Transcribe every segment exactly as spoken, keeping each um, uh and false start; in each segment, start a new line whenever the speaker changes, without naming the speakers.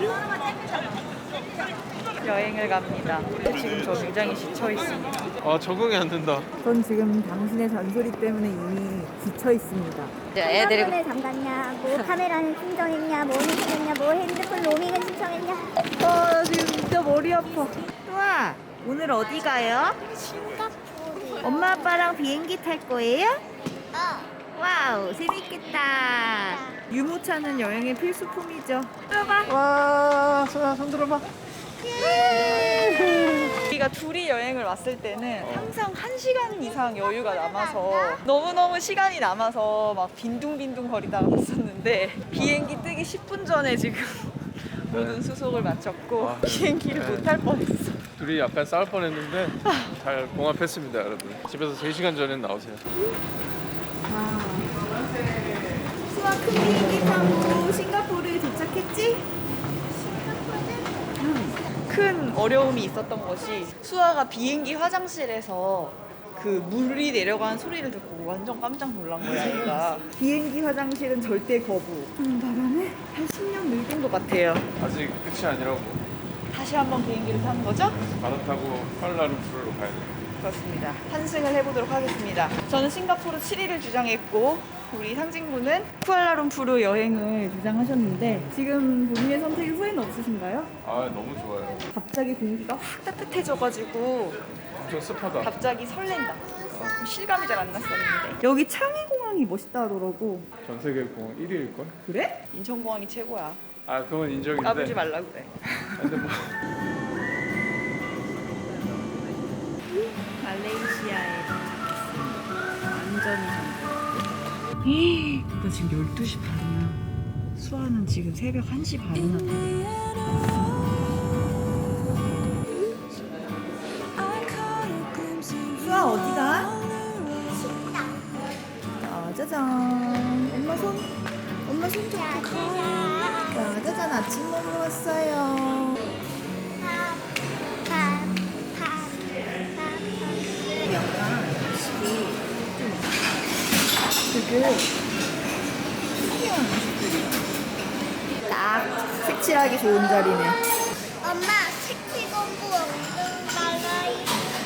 여행을 갑니다. 지금 저 굉장히 지쳐 있습니다.
아 적응이 안 된다.
전 지금 당신의 잔소리 때문에 이미 지쳐 있습니다. 애들이
을 잠갔냐, 뭐 카메라는 신청했냐, 뭐 신청했냐, 뭐 핸드폰 로밍은 신청했냐.
어, 지금 진짜 머리 아파. 우와, 오늘 어디 가요?
싱가포르.
엄마 아빠랑 비행기 탈 거예요?
어.
와우, 재밌겠다. 유모차는 여행의 필수품이죠. 들어봐.
와, 소야 손 들어봐.
우리가 둘이 여행을 왔을 때는 항상 한 시간 이상 여유가 남아서 너무너무 시간이 남아서 막 빈둥빈둥 거리다가 갔었는데 비행기 뜨기 십 분 전에 지금 모든 수속을 마쳤고
아,
비행기를
네.
못 탈 뻔했어.
둘이 약간 싸울 뻔했는데 잘 봉합했습니다, 여러분. 집에서 세 시간 전에 나오세요.
수아 큰 비행기 타고 싱가포르에 도착했지? 큰 어려움이 있었던 것이 수아가 비행기 화장실에서 그 물이 내려가는 소리를 듣고 완전 깜짝 놀란 거야. 얘가 비행기 화장실은 절대 거부 하는 바람에 한 십 년 늙은 것 같아요.
아직 끝이 아니라고.
다시 한번 비행기를 타는 거죠?
갈아타고 쿠알라룸푸르로 가야 돼.
그렇습니다. 환승을 해보도록 하겠습니다. 저는 싱가포르 칠 일을 주장했고 우리 상진군은 쿠알라룸푸르 여행을 주장하셨는데 지금 본인의 선택에 후회는 없으신가요?
아 너무 좋아요.
갑자기 공기가 확 따뜻해져가지고
엄청 습하다.
갑자기 설렌다. 어, 실감이 잘 안 났었는데 여기 창의공항이 멋있다 하더라고.
전 세계 공항 일 위일걸?
그래? 인천공항이 최고야.
아 그건 인정인데.
까불지 말라고 그래.
근데 뭐
말레이시아에 도착했습니다. 완전히 잠깐. 나 지금 열두 시 반이야. 수아는 지금 새벽 한 시 반이나 돼. 수아 어디가? 아, 짜잔. 엄마 손. 엄마 손 잡고 가. 자, 짜잔. 아침 먹으러 왔어요. 약간 음식이 좀 되게 특이한 음식들이야. 딱 색칠하기 좋은 자리네.
엄마, 색칠 공부 엄청 잘해.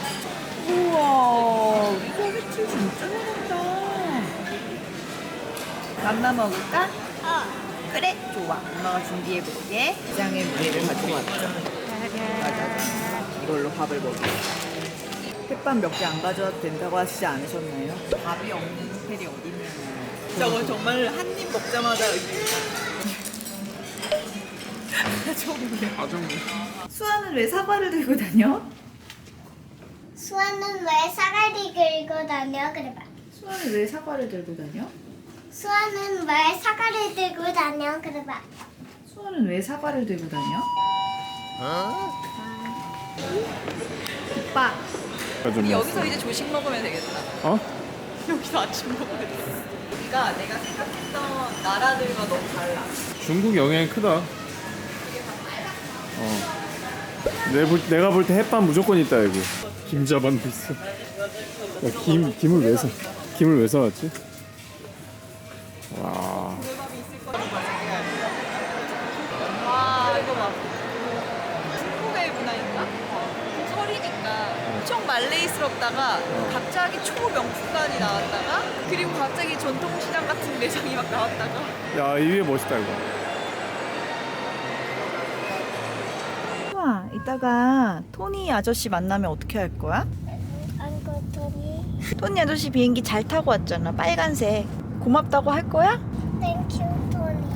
우와, 우와 색칠 진짜 잘한다. 맘마 먹을까?
어.
그래, 좋아. 엄마가 준비해볼게. 장의 무게를 가지고 왔죠. 이걸로 밥을 먹을게. 햇반 몇 개 안 가져와도 된다고 하시지 않으셨나요? 밥이 없는 호텔이 어딨냐고. 저거 정말 한 입 먹자마자
아좀
수아는 왜 사과를 들고 다녀?
수아는 왜 사과를 들고 다녀? 그래봐.
수아는 왜 사과를 들고 다녀?
수아는 왜 사과를 들고 다녀? 그래봐.
수아는 왜 사과를 들고 다녀? 오빠, 우리 여기서 이제 조식 먹으면 되겠다.
어?
여기서 아침 먹으면 돼. 여기가 내가 생각했던 나라들과 너무 달라.
중국 영향이 크다. 어. 내 볼, 내가 볼 때 햇반 무조건 있다 여기. 김 잡아도 있어. 야, 김 김을 왜 사? 김을 왜 사왔지? 와.
와, 이거 봐. 중국의 문화인가? 설이니까 엄청 말레이스럽다가 갑자기 초명품관이 나왔다가 그리고 갑자기 전통시장 같은 매장이 막 나왔다가
야, 이 위에 멋있다 이거.
우와, 이따가 토니 아저씨 만나면 어떻게 할 거야?
안 그렇더니.
토니 아저씨 비행기 잘 타고 왔잖아. 빨간색. 고맙다고 할 거야?
땡큐 토니.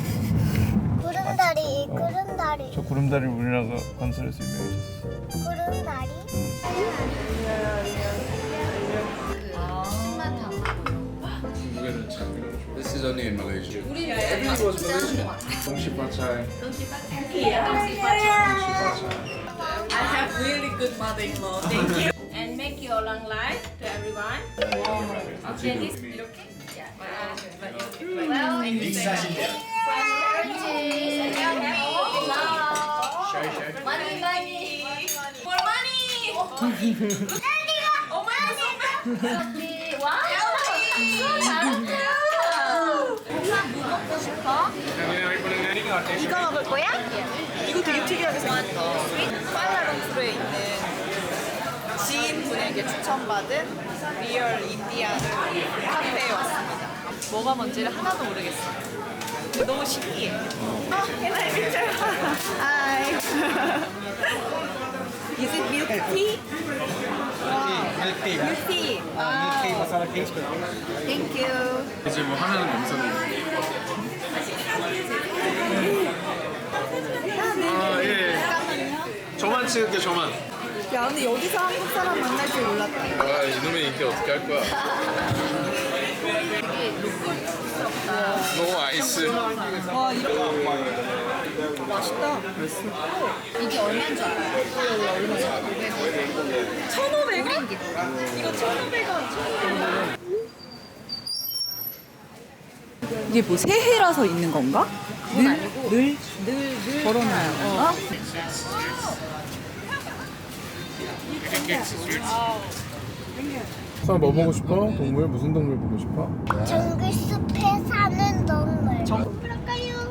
구름다리, 구름다리,
저 구름다리 우리나라 건설에서 유명해졌어.
구름다리.
중국에는 참 이런 거 좋아.
This is only in Malaysia.
Everything was Malaysian. 동시파차이.
I have really good mother-in-law. Thank you. And make your long life to everyone. Okay, this 이렇게? Yeah. Well, and you say money, money, more money. Oh my God. Wow. So 잘한다. 엄마 뭐 먹고 싶어?
이거 먹을 거야? 이거 되게 특이하게 생겼다. 쿠알라룸푸르에 있는 지인분에게 추천받은 리얼 인디안 카페에 왔습니다. 뭐가 뭔지를 하나도 모르겠어요. 근데 너무 신기해. 어, can I picture? Hi. Is it milk tea? Wow.
Milk tea.
Milk tea.
Milk tea
Wow.
masala cakes.
Thank you.
이제 뭐 하나는 영상이. 아 예. 저만 찍을게 저만.
야, 근데 여기서 한국 사람 만날 줄 몰랐다.
아 이놈의 인기 어떻게 할 거야? 너무 아이스.
와, 이렇게 맛있다.
이게 얼마인 줄 알아요?
천오백 원? 이거 천오백 원. 이게 뭐 새해라서 있는 건가?
그건 아니고
늘
늘, 늘
걸어놔요. 어?
수아 뭐 보고 싶어? 동물 무슨 동물 보고 싶어?
정글숲에 사는 동물. 그럴까요?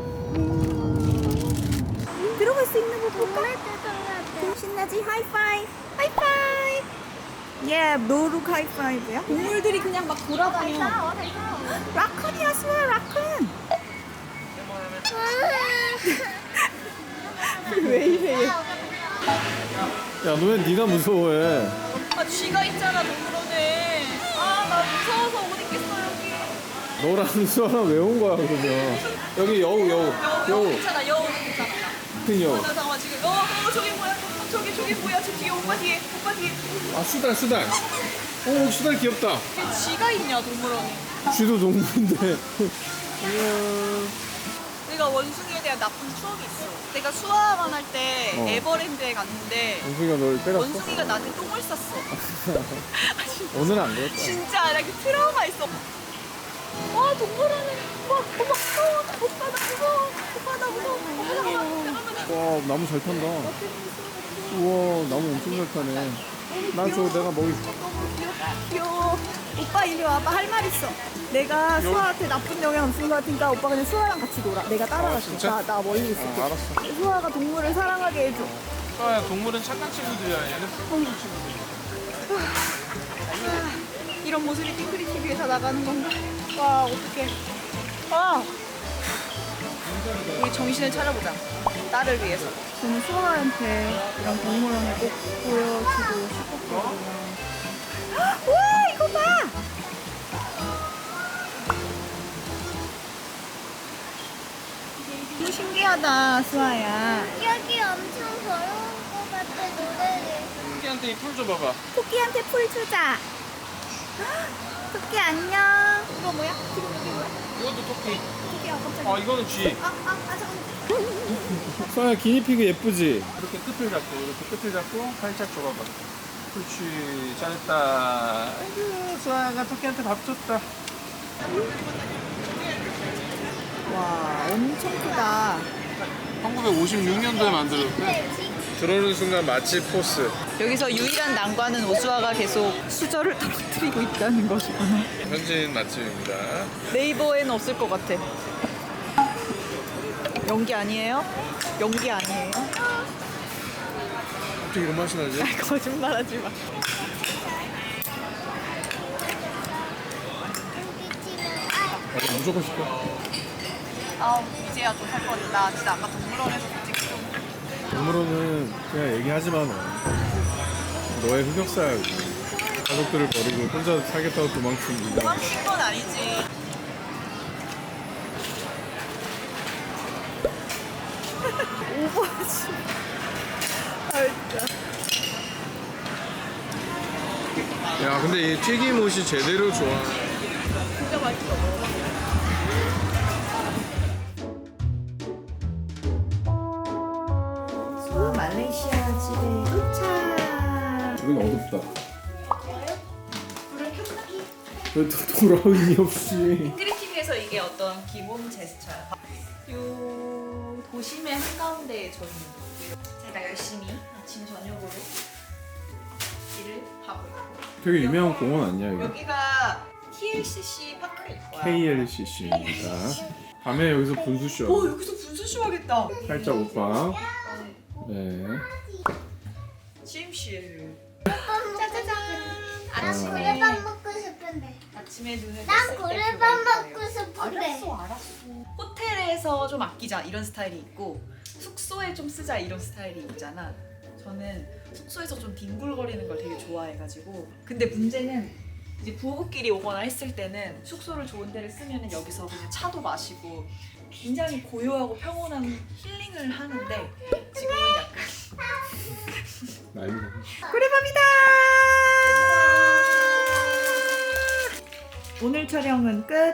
들어갈 수 있는 거 볼까? 신나지? 하이파이! 하이파이! 예, 노룩 하이파이브야? 동물들이 그냥 막 돌아다녀. 라쿤이야, 수아, 라쿤! 왜 이래?
야 너 왜 네가 무서워해?
아, 쥐가 있잖아, 동물원에. 아, 나 무서워서 못 있겠어, 여기.
너랑 수아랑 왜 온 거야 그러면? 여기 여우 여우
여우,
여우
괜찮아, 여우는 괜찮아.
큰 여우.
어, 나 잠깐만, 지금. 어, 어, 저기 뭐야? 어, 저기, 저기 뭐야? 저 뒤에, 오빠 뒤에, 오빠 뒤에.
아 수달 수달. 오 수달 귀엽다.
왜 쥐가 있냐, 동물원에.
쥐도 동물인데.
내가 원숭이에 대한 나쁜 추억이 있어. 내가 수아만 할 때
어.
에버랜드에 갔는데
원숭이가 널 때렸어?
원숭이가 나한테 똥을 쌌어. 아, 진짜,
오늘은 안 그럴 거야.
진짜 나 그 트라우마 있어. 와, 동물원에. 와, 오빠 무서워. 오빠 나 무서워. 오빠 나 무서워. 오빠 잠깐만. 잠깐만.
와 나무 잘 탄다. 우와 나무 엄청 잘 타네. 나 저 내가 먹이.
너무 귀엽다. 귀여워. 오빠 이리 와봐. 할 말 있어. 내가 수아한테 나쁜 영향 없은 것 같으니까 오빠 그냥 수아랑 같이 놀아. 내가 따라갈게.
진짜?
나, 나 멀리 있을게.
아, 알았어.
수아가 동물을 사랑하게 해줘.
수아야 동물은 착한 친구들이야. 얘는 슬픈 친구들.
이런 모습이 핑크리 티비에서 나가는 건가? 와, 어떡해. 아! 우리 정신을 차려보자. 딸을 위해서. 저는 수아한테 이런 동물원을 꼭 보여주고 싶었거든요. 와, 이거 봐! 너무 신기하다, 수아야.
여기 엄청 더러운 것 같아, 노래를.
토끼한테 이 풀 줘봐봐.
토끼한테 풀 주자. 토끼 안녕.
이거 뭐야? 지금 여기 뭐야?
이것도 토끼.
토끼야, 깜짝이야.
아 이거는 쥐.
아, 아, 아, 잠깐만.
수아야 기니피그 예쁘지? 이렇게 끝을 잡고 이렇게 끝을 잡고 살짝 줘봐봐. 그렇지 잘했다. 아이고 수아가 토끼한테 밥 줬다.
와, 엄청 크다.
천구백오십육 년도에 만들었대. 들어오는 순간 맛집 포스.
여기서 유일한 난관은 오수아가 계속 수저를 떨어뜨리고 있다는 것이구나.
현지인 맛집입니다.
네이버에는 없을 것 같아. 연기 아니에요? 연기 아니에요?
어떻게 이런 맛이 나지?
거짓말하지 마.
아, 무조건 시켜.
아우, 이제야 좀 할 거같나 진짜 아까 동물원에서 솔직히 좀.
동물원은 그냥 얘기하지 마 너. 너의 흑역사야 여기. 가족들을 버리고 혼자 살겠다고 도망친 네가.
도망친 건 아니지. 오버하지. 아, 진짜.
야 근데 이 튀김옷이 제대로 좋아.
진짜 맛있어. 수아 말레이시아 집에 도착.
여긴 어둡다. 왜 또 돌아오니 없이.
크리티비에서 이게 어떤 기본 제스처야. 요 도심의 한가운데에 저 있는 거. 제가 열심히 아침 저녁으로 일을 하고 있고.
되게 유명한 공원 아니야 이거?
여기가 티엘씨씨 파크일 거야.
케이엘씨씨입니다. 밤에 여기서 분수쇼.
어 여기서 분수쇼 하겠다.
살짝 오빠. 네.
취임실.
짜자잔. 난 고래밥 먹고 싶은데.
아침에 눈을
난
떴을 때
고래밥
그거
먹고
있어요.
싶은데.
알았어 알았어. 호텔에서 좀 아끼자 이런 스타일이 있고 숙소에 좀 쓰자 이런 스타일이 있잖아. 저는 숙소에서 좀 뒹굴거리는 걸 되게 좋아해가지고. 근데 문제는 이제 부부끼리 오거나 했을 때는 숙소를 좋은 데를 쓰면은 여기서 그냥 차도 마시고 굉장히 고요하고 평온한 힐링을 하는데 지금은 약간
나이 먹어.
고래밥이다. 오늘 촬영은 끝.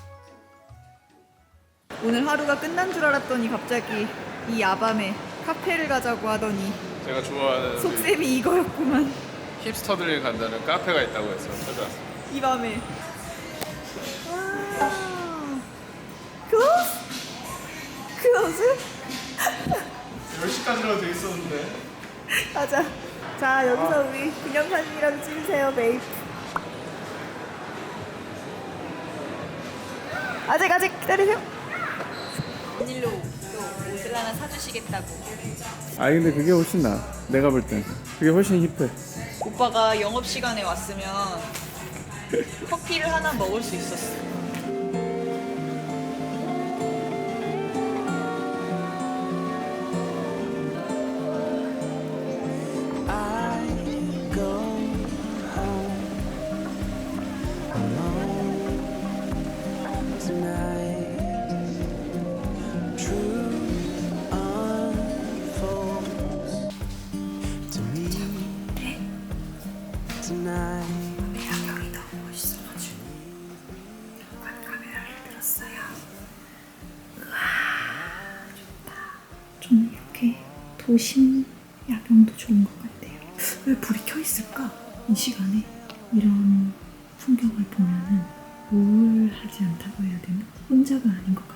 오늘 하루가 끝난 줄 알았더니 갑자기 이 야밤에 카페를 가자고 하더니
제가 좋아하는
속셈이 이거였구만.
힙스터들이 간다는 카페가 있다고 해서 찾아왔어요.
이 밤에. 와. 클로즈? 클로즈?
열 시까지라고 돼 있었는데.
가자. 자 여기서 우리 기념사진이라도 찍으세요, 베이프. 아직 아직 기다리세요. 닐로 또 옷을 하나 사주시겠다고.
아니 근데 그게 훨씬 나아. 내가 볼 땐. 그게 훨씬 힙해.
오빠가 영업 시간에 왔으면 커피를 하나 먹을 수 있었어. 야경이 너무 멋있어가지고 카메라를 들었어요. 우와 좋다. 저는 이렇게 도심 야경도 좋은 것 같아요. 왜 불이 켜 있을까? 이 시간에 이런 풍경을 보면은 우울하지 않다고 해야 되나? 혼자가 아닌 것 같아요.